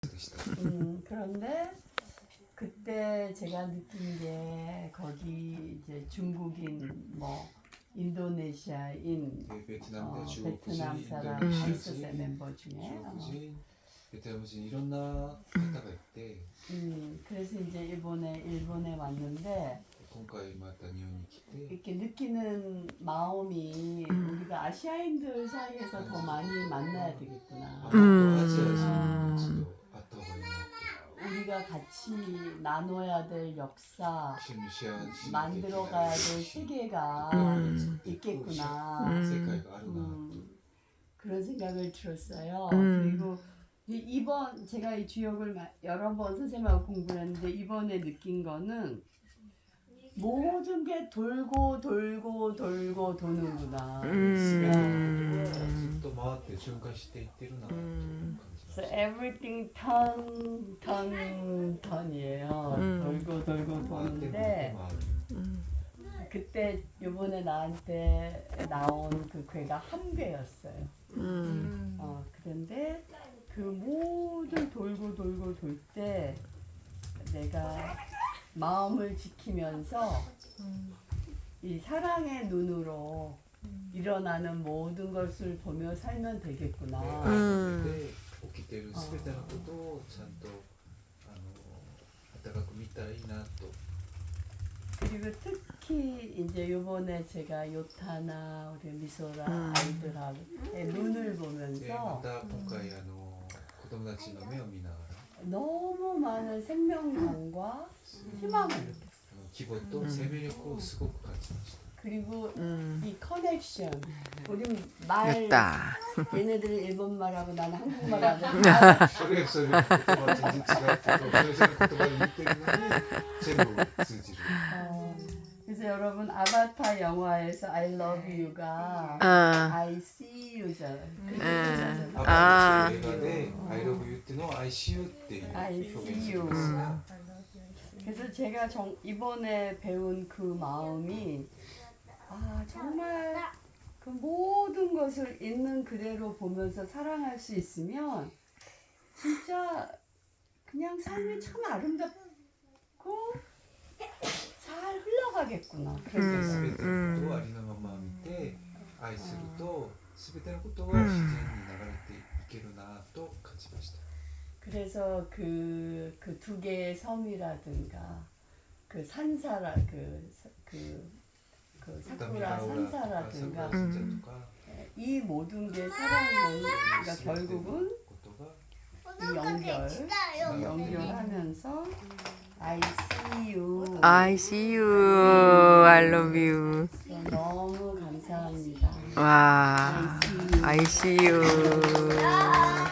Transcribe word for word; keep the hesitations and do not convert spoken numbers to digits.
음, 그런데 그때 제가 느낀 게 거기 이제 중국인 뭐 인도네시아인 어, 베트남 베트남 사람 음. 다섯 멤버 중에 어, 중국인, 베트남인 이런 나라가 있대. 음, 그래서 이제 일본에 일본에 왔는데 今回また日本に来て 이렇게 느끼는 마음이 우리가 아시아인들 사이에서 더 많이 만나야 되겠구나. 음. 아시아에서 또 아타바이나 우리가 같이 나눠야 될 역사, 一緒にシェアし 만들어가야 될 세계가 음. 있겠구나. 음. 世界があるな。 음, 그런 생각을 들었어요. 음. 그리고 이- 이번 제가 이 주역을 마- 여러 번 선생님하고 공부를 했는데 이번에 느낀 거는 모든 게 돌고 돌고 돌고 도는구나. 음. ずっと回って循環していってるなと感じま So した。 everything turn, turn, turn이에요. 음. 돌고 돌고 回って回って 도는데 回る。 음. 그때 요번에 나한테 나온 그 괴가 한 괴였어요. 음. 어, 그런데 그 모든 돌고 돌고 돌 때 내가 마음을 지키면서 이 사랑의 눈으로 일어나는 모든 것을 보며 살면 되겠구나. うん起きてるすべてのことをちゃんとあの温かく見たらいいなと。 그리고 특히 이제 요번에 제가 요타나 우리 미소라 음. 아이들하고의 눈을 でま 보면서 た今回あの子供たちの目を見ながら 너무 많은 생명감과 희망을 느꼈어요. あの希望と生命力をすごく感じました。 그리고 음. 이 커넥션, 우리 말 됐다. 얘네들은 일본말하고 나는 한국말하고 それそれ言葉全然違うけどそれぞれ言葉で言ってるのに全部通じる。 어, 그래서 여러분 아바타 영화에서 I love you가 아. I see you잖아요. 음. アバあターっていう映画で I love you っていうのを I see you っていう I 表現 see す you. るんですが、 그래서 제가 정, 이번에 배운 그 마음이 아 정말 그 모든 것을 있는 그대로 보면서 사랑할 수 있으면 진짜 그냥 삶이 참 아름답고 잘 흘러가겠구나. 그런 음. 생각. 全てのことをありのまま見て愛すると全てのことが自然に流れていけるなと感じました。 그래서 그 그 두 개의 섬이라든가 그 산사라 그그 그 사쿠라 とか 산사라든가 桜神社とか 이 모든 게 사랑은 그러니까 全ての 결국은 ことが 이 연결 연결하면서 I see you I see you. I love you. 너무 감사합니다. 와. I see you.